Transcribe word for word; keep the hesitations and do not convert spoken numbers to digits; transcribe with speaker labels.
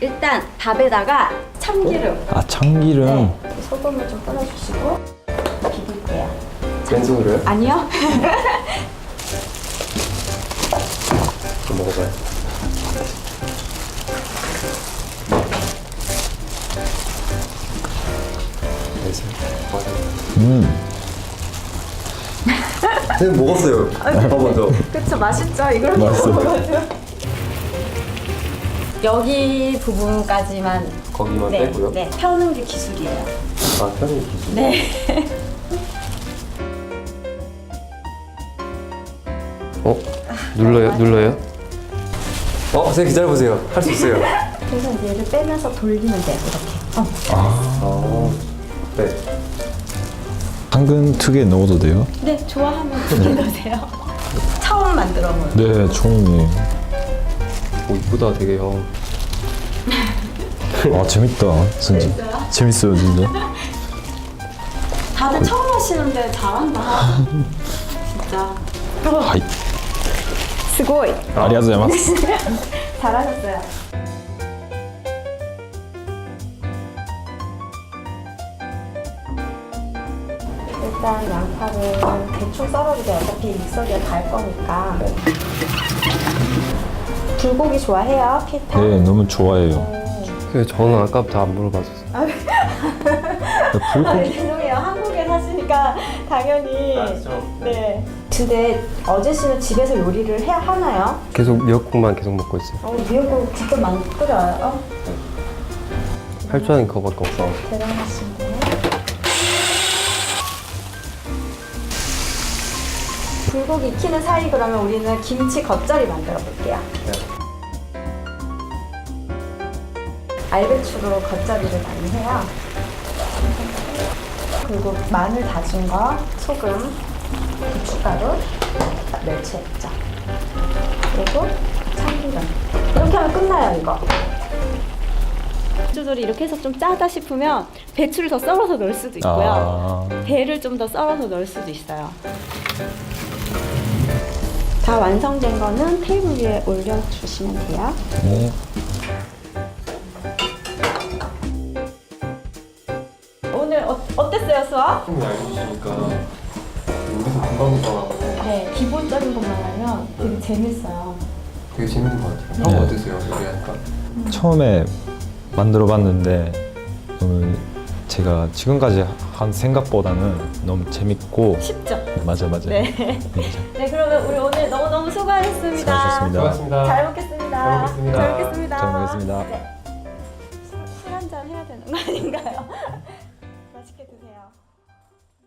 Speaker 1: 일단 밥에다가 참기름.
Speaker 2: 아, 참기름.
Speaker 1: 네. 소금을 좀 뿌려주시고 비빌게요.
Speaker 3: 왼손으로요?
Speaker 1: 아니요.
Speaker 3: 좀 먹어봐요.
Speaker 2: 음.
Speaker 3: 선생님 먹었어요. 밥 먼저.
Speaker 1: 그쵸, 맛있죠? 이걸
Speaker 2: 맛있어.
Speaker 1: 먹어가지고. 여기 부분까지만
Speaker 3: 거기만
Speaker 1: 네,
Speaker 3: 빼고요.
Speaker 1: 네, 펴는 게 기술이에요.
Speaker 3: 아, 편의 기준.
Speaker 1: 네.
Speaker 3: 어? 눌러요? 눌러요? 어, 선생님 기다려보세요. 할 수 있어요.
Speaker 1: 그래서 이제 얘를 빼면서 돌리면 돼, 이렇게. 어.
Speaker 3: 아, 네.
Speaker 2: 당근 두 개 넣어도 돼요?
Speaker 1: 네, 좋아하면 두 개 넣으세요. 처음 만들어 본.
Speaker 2: 네, 처음이에요.
Speaker 3: 오, 이쁘다, 되게 형.
Speaker 2: 아, 재밌다. 진짜.
Speaker 1: 재밌어요?
Speaker 2: 재밌어요, 진짜.
Speaker 1: 다들 처음 하시는데 잘한다. 진짜.
Speaker 2: 하이.
Speaker 1: 스고이.
Speaker 2: 아리가토고자이마스.
Speaker 1: 잘하셨어요. 일단 양파를 대충 썰어도 돼요. 어차피 믹서기에 갈 거니까. 불고기 좋아해요? 피타?
Speaker 2: 네, 너무 좋아해요.
Speaker 3: 그 저는 아까부터 안 물어봤었어요.
Speaker 1: 아,
Speaker 2: 불고기.
Speaker 1: 죄송해요. 한국에 사시니까 당연히.
Speaker 3: 맞죠.
Speaker 1: 네. 근데 어제 씨는 집에서 요리를 해야 하나요?
Speaker 3: 계속 미역국만 계속 먹고 있어요.
Speaker 1: 어, 미역국 직접 만들어요?
Speaker 3: 할 줄 아는 그거밖에 없어.
Speaker 1: 대단하신데. 불고기 익히는 사이 그러면 우리는 김치 겉절이 만들어 볼게요.
Speaker 3: 네.
Speaker 1: 알배추로 겉절이를 많이 해요. 그리고 마늘 다진 거, 소금, 고춧가루, 멸치 액젓, 그리고 참기름. 이렇게 하면 끝나요, 이거. 배추들이 이렇게 해서 좀 짜다 싶으면 배추를 더 썰어서 넣을 수도 있고요.
Speaker 2: 아.
Speaker 1: 배를 좀 더 썰어서 넣을 수도 있어요. 다 완성된 거는 테이블 위에 올려주시면 돼요.
Speaker 2: 네.
Speaker 1: 오늘 어, 어땠어요, 수업?
Speaker 3: 선생님이 알려주시니까 우리도 금방금방
Speaker 1: 네, 기본적인 것만 하면 되게 재밌어요.
Speaker 3: 되게 재밌는 것 같아요.
Speaker 2: 네.
Speaker 3: 형 어떠세요? 요리하니까?
Speaker 2: 처음에 만들어 봤는데 너무 제가 지금까지 한 생각보다는 너무 재밌고
Speaker 1: 쉽죠?
Speaker 2: 맞아 맞아.
Speaker 1: 네. 네, 그러면 우리 오늘 너무너무 수고하셨습니다.
Speaker 2: 수고하셨습니다.
Speaker 3: 수고하셨습니다.
Speaker 1: 잘 먹겠습니다.
Speaker 3: 잘 먹겠습니다.
Speaker 1: 잘 먹겠습니다.
Speaker 2: 잘 먹겠습니다.
Speaker 1: 네. 술 한 잔 해야 되는 거 아닌가요?